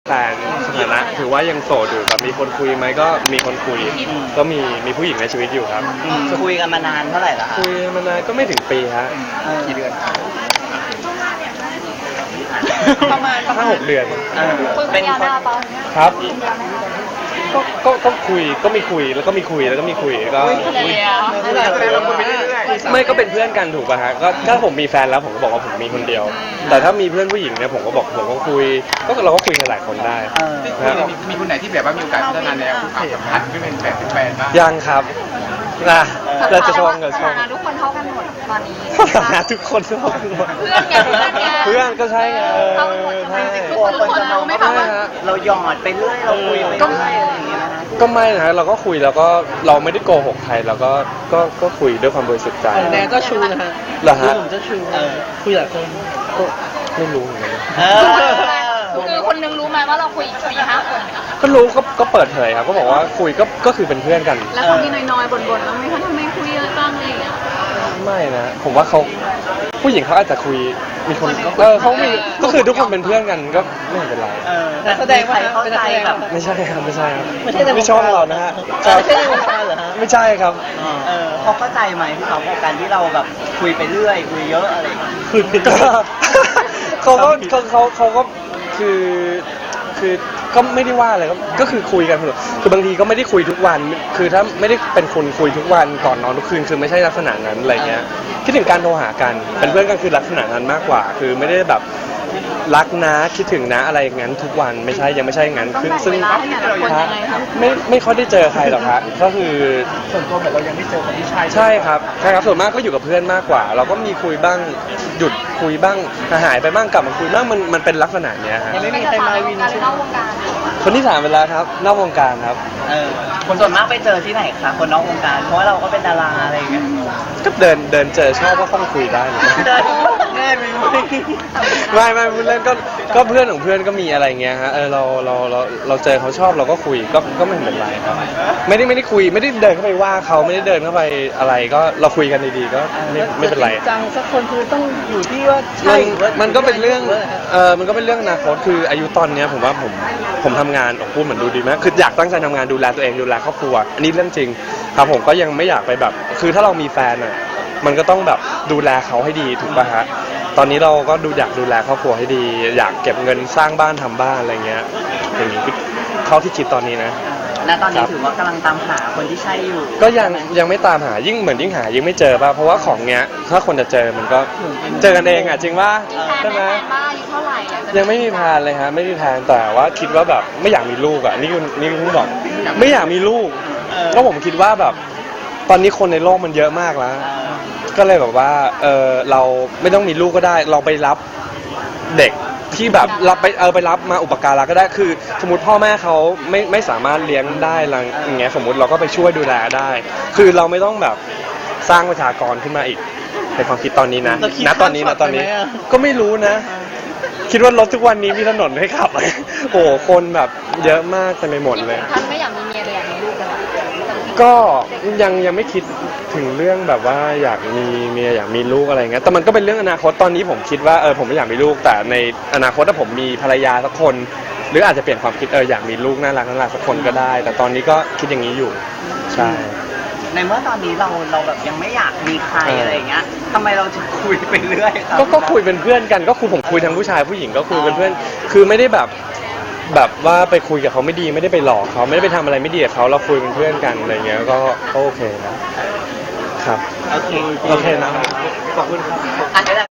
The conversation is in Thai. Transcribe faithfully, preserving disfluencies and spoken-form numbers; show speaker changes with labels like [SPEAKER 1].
[SPEAKER 1] แฟนสถานะถือว่ายังโสดอยู่แบบมีคนคุยไหมก็มีคนคุยก็มีมีผู้หญิงในชีวิตอยู่ครับ
[SPEAKER 2] คุยกันมานานเท่าไหร่แล้วคะ
[SPEAKER 1] คุยมานานก็ไม่ถึงปีฮะกี่เดือน
[SPEAKER 3] ประมาณ
[SPEAKER 1] ห้าหกเดือน
[SPEAKER 3] คุยเป็นยาวหน้าปะ
[SPEAKER 1] ครับก็ก็ก็คุยก็มีคุยแล้วก็มีคุยแล้วก็มีคุยก็ไม่ก็เป็นเพื่อนกันถูกป่ะฮะก็ถ้าผมมีแฟนแล้วผมก็บอกว่าผมมีคนเดียวแต่ถ้ามีเพื่อนผู้หญิงเนี่ยผมก็บอกผมก็คุยก็เราก็คุยกันหลายคนได้
[SPEAKER 4] มีคนไหนที่แบบว่ามีโอกาสพัฒนาแนวความสัมพันธ์ไม่เป็นแฟนเป็นแฟนบ้าง
[SPEAKER 1] ยังครับนะเราจะชงกับชง
[SPEAKER 3] ทุกคนเท่ากันหมดตอนนี้
[SPEAKER 1] นะทุกคนเท่ากันหมด
[SPEAKER 3] เพื่อนไงเพื่อนไง
[SPEAKER 1] เพื่อนก็ใช่ไง
[SPEAKER 3] เท่ากันหมดใช่
[SPEAKER 2] กลัวคนจะมองไม่ว่าเราหยอดไปเรื่อยเราคุยไปเรื่อยอะไรอย่างเงี้ยนะ
[SPEAKER 1] ก็ไม่นะเราก็คุยแล้วก็เราไม่ได้โกหกใครเราก็ก็ก็คุยด้วยความบริสุทธิ์ใจ
[SPEAKER 2] แนนก็ชูนะฮะ
[SPEAKER 1] เหรอฮะ
[SPEAKER 2] ผมจะชูคุยหลายคน
[SPEAKER 1] ก็ไม่รู้เหมือนกัน
[SPEAKER 3] คือคนนึงรู้ไหมว่าเราคุยอีกสี่ห้าคน
[SPEAKER 1] ก็รู้ก็ก็เปิดเผยครับก็บอกว่าคุยก็ก็คือเป็นเพื่อนกัน
[SPEAKER 3] แล้วเขามีน้อยๆบ่นๆแล้วไม่เขาทำไมคุยเยอะจังอะไรอย่างเงี้ย
[SPEAKER 1] ไม่นะผมว่าเขาผู้หญิงเขาอาจจะคุยมีคนเออเขามีก็คือทุกคนเป็นเพื่อนกันก็ไม่เป็นไร
[SPEAKER 2] แสดงว่าเข้าใจแบบ
[SPEAKER 1] ไม่ใช่ครับไม่ใช่ครับ
[SPEAKER 2] ไม่ใช่ใน
[SPEAKER 1] ไม่ชอบเรานะฮะ
[SPEAKER 2] ไม่ใช่ในวงการเหรอฮะ
[SPEAKER 1] ไม่ใช่ครับ
[SPEAKER 2] เออเขาเข้าใจไหมพี่เขากับการที่เราแบบคุยไปเรื่อยคุยเยอะอะไร
[SPEAKER 1] คุยไปเรื่อยเขาก็เขาเขาเขาก็คือคือก็ไม่ได้ว่าอะไรก็คือคุยกันคือบางทีก็ไม่ได้คุยทุกวันคือถ้าไม่ได้เป็นคนคุยทุกวันก่อนนอนทุกคืนคือไม่ใช่ลักษณะนั้นอะไรเงี้ยคิดถึงการโทรหากันเป็นเพื่อนกันคือลักษณะนั้นมากกว่าคือไม่ได้แบบรักนะคิดถึงนะอะไรอย่างนั้นทุกวันไม่ใช่ยังไม่ใช่งั้นคือซึ่งไม่ไม่ค่อยได้เจอใครหรอกครับก็คือ
[SPEAKER 4] ส่วนตัวแบบเรายังไม่เจอคนที่ใช่
[SPEAKER 1] ใช่ครับใช่ครับส่วนมากก็อยู่กับเพื่อนมากกว่าเราก็มีคุยบ้างหยุดคุยบ้างหายไปบ้างกลับมาคุยบ้างมันมันเป็นลักษณะเนี้ยฮะ
[SPEAKER 2] ยังไม่มีใครมาวิน
[SPEAKER 3] นอกวงการ
[SPEAKER 1] คนที่สามเวลาครับนอกวงการครับ
[SPEAKER 2] เออคนส่วนมากไปเจอที่ไหนคะคนนอกวงการเพราะว่าเราก็เป็นดาราอะไรอย่างเงี้ย
[SPEAKER 1] ก็เดินเดินเจอชอบก็ต้องคุยได้เลย
[SPEAKER 2] แน่มี
[SPEAKER 1] ไม่ไม่เล่นก็ก็เพื่อนของเพื่อนก็มีอะไรเงี้ยฮะเออเราเราเราเราเจอเขาชอบเราก็คุยก็ก็ไม่เป็นไรครับไม่ได้ไม่ได้คุยไม่ได้เดินเข้าไปว่าเขาไม่ได้เดินเข้าไปอะไรก็เราคุยกันดีๆก็ไม่ไม่เป็นไร
[SPEAKER 2] จังสักคนคือต้องอยู่ที่ว่าใช่
[SPEAKER 1] มันก็เป็นเรื่องเออมันก็เป็นเรื่องอนาคตคืออายุตอนเนี้ยผมว่าผมผมทำงานออกพูดเหมือนดูดีไหมคืออยากตั้งใจทำงานดูแลตัวเองดูแลครอบครัวอันนี้เรื่องจริงครับผมก็ยังไม่อยากไปแบบคือถ้าเรามีแฟนอ่ะมันก็ต้องแบบดูแลเขาให้ดีถูกป่ะฮะตอนนี้เราก็ดูอยากดูแลครอบครัวให้ดีอยากเก็บเงินสร้างบ้านทำบ้านอะไรเงี้ยอย่างนี้เขาที่คิดตอนนี้นะ
[SPEAKER 2] ณตอนนี้ถือว่ากำลังตามหาคนที่ใช่อยู่
[SPEAKER 1] ก็ยังยังไม่ตามหายิ่งเหมือนยิ่งหายิ่งไม่เจอป่ะเพราะว่าของเนี้ยถ้าคนจะเจอมันก็เจอกันเองอ่ะจริงว่า
[SPEAKER 3] ใช่ไหม
[SPEAKER 1] ยังไม่มีแพลนเลยฮะไม่มีแพลนแต่ว่าคิดว่าแบบไม่อยากมีลูกอ่ะนี่คือนี่คือบอกไม่อยากมีลูกก็ผมคิดว่าแบบตอนนี้คนในโลกมันเยอะมากแล้วก็เลยแบบว่าเออเราไม่ต้องมีลูกก็ได้เราไปรับเด็กที่แบบรับไปเออไปรับมาอุปการะก็ได้คือสมมติพ่อแม่เขาไม่ไม่สามารถเลี้ยงได้อะไรอย่างเงี้ยสมมติเราก็ไปช่วยดูแลได้คือเราไม่ต้องแบบสร้างประชากรขึ้นมาอีกในความคิดตอนนี้นะณตอนนี้นะตอนนี้ก็ไม่รู้นะคิดว่ารถทุกวันนี้มีถนนให้ขับโอ้คนแบบเยอะมากเต็มไปหมดเลย
[SPEAKER 3] ท่านไม่อยากมีเมียเลยอยากมีลูกกัน
[SPEAKER 1] ก็ยังยังไม่คิดถึงเรื่องแบบว่าอยากมีเมียอยากมีลูกอะไรเงี้ยแต่มันก็เป็นเรื่องอนาคตตอนนี้ผมคิดว่าเออผมไม่อยากมีลูกแต่ในอนาคตถ้าผมมีภรรยาสักคนหรืออาจจะเปลี่ยนความคิดเอออยากมีลูกน่ารักน่ารักสักคนก็ได้แต่ตอนนี้ก็คิดอย่างนี้อยู่ใช่
[SPEAKER 2] ในเมื่อตอนนี้เราเราแบบยังไม่อยากมีใครอะไรอย่างเงี้ยทำไมเราถึงคุยไปเรื่อย
[SPEAKER 1] ก็ก็คุยเป็นเพื่อนกันก็คุยผมคุยทั้งผู้ชายผู้หญิงก็คุยเป็นเพื่อนคือไม่ได้แบบแบบว่าไปคุยกับเขาไม่ดีไม่ได้ไปหลอกเขาไม่ได้ไปทำอะไรไม่ดีกับเขาเราคุยเป็นเพื่อนกันอะไรเงี้ยก็โอเคนะครับ
[SPEAKER 2] โอเค
[SPEAKER 1] โอเคนะขอบคุณครับ